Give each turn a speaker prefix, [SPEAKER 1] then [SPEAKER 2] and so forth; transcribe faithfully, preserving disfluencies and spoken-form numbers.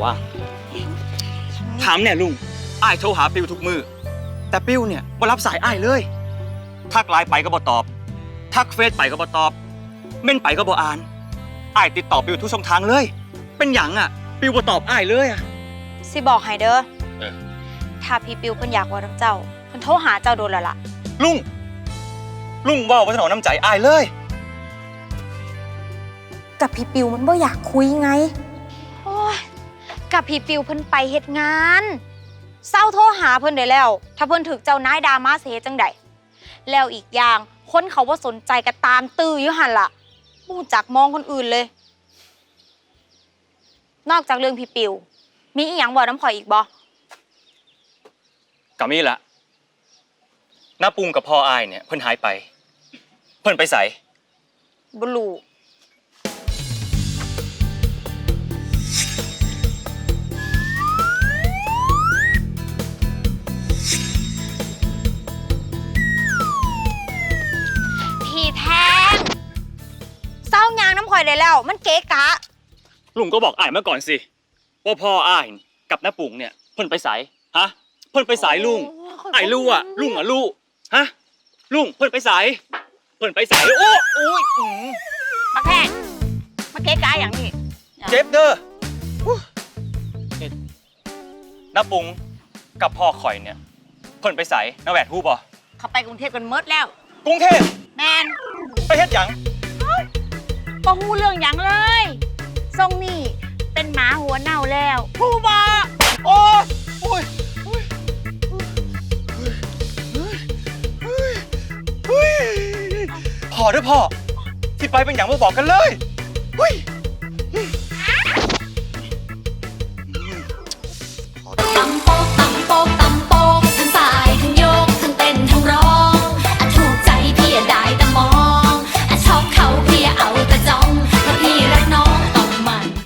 [SPEAKER 1] วะถามเนี่ยลุงอ้ายโทรหาปิวทุกมือแต่ปิวเนี่ยบ่รับสายอ้ายเลยทักไลน์ไปก็บ่ตอบทักเฟซไปก็บ่ตอบเม่นไปก็บ่อ่านอ้ายติดต่อปิวทุกช่องทางเลยเป็นหยังอ่ะปิวบ่ตอบอ้ายเลยอ่ะ
[SPEAKER 2] สิบอกให้เด้อ
[SPEAKER 1] เออ
[SPEAKER 2] ถ้าพี่ปิวเพิ่นอยากว่าน้ำเจ้าเพิ่นโทรหาเจ้าโดนแล้วล่ะ
[SPEAKER 1] ลุงลุงว่าว่าถนอมน้ำใจอ้ายเลย
[SPEAKER 2] กับพี่ปิวมันบ่อยากคุยไงโอ้ยกับพี่ปิวเพิ่นไปเฮ็ดงานเศร้าโทรหาเพิ่นได้แล้วถ้าเพิ่นถึกเจ้านายดามาสิเฮ็ดจังไดแล้วอีกอย่างคนเขาบ่สนใจก็ตามตื้ออยู่หั่นล่ะบ่รู้จักมองคนอื่นเลยนอกจากเรื่องพี่ปิวมีอีหยังบ่น้ำข่อยอีกบ่
[SPEAKER 1] ก็มีละน้าปุงกับพ่ออ้ายเนี่ยเพิ่นหายไปเพิ่นไปไส
[SPEAKER 2] บ่รู้พี่แทงเศร้ายางน้ำข่อยได้แล้วมันเก๋กะ
[SPEAKER 1] ลุงก็บอกอ้ายมาก่อนสิว่าพ่ออ้ายกับน้าปุงเนี่ยเพิ่นไปไสฮะเพิ่นไปไสลุงอ้ายรู้อ่ะลุงอ่ะรู้ฮะลุงเพิ่นไปไสเพิ่นไปไสโอ้โอ้ยอือ
[SPEAKER 2] มาแพงมาเก๋กะอย่างนี้
[SPEAKER 1] เจ็บเด้อน้าปุงกับพ่อข่อยเนี่ยเพิ่นไปไสน้าแหวดฮู้บ่
[SPEAKER 2] เขาไปกรุงเทพกันหมดแล้ว
[SPEAKER 1] กรุงเทพ
[SPEAKER 2] แมน
[SPEAKER 1] ไปเฮ็ดหยัง
[SPEAKER 2] บ่ฮู้เรื่องหยังเลยทรงนี่เป็นหมาหัวเน่าแล้วฮู้บ่
[SPEAKER 1] โอ้ยโอ้ยพ่อเด้อพ่อที่ไปเป็นหยังบ่บอกกันเลยเฮ้ย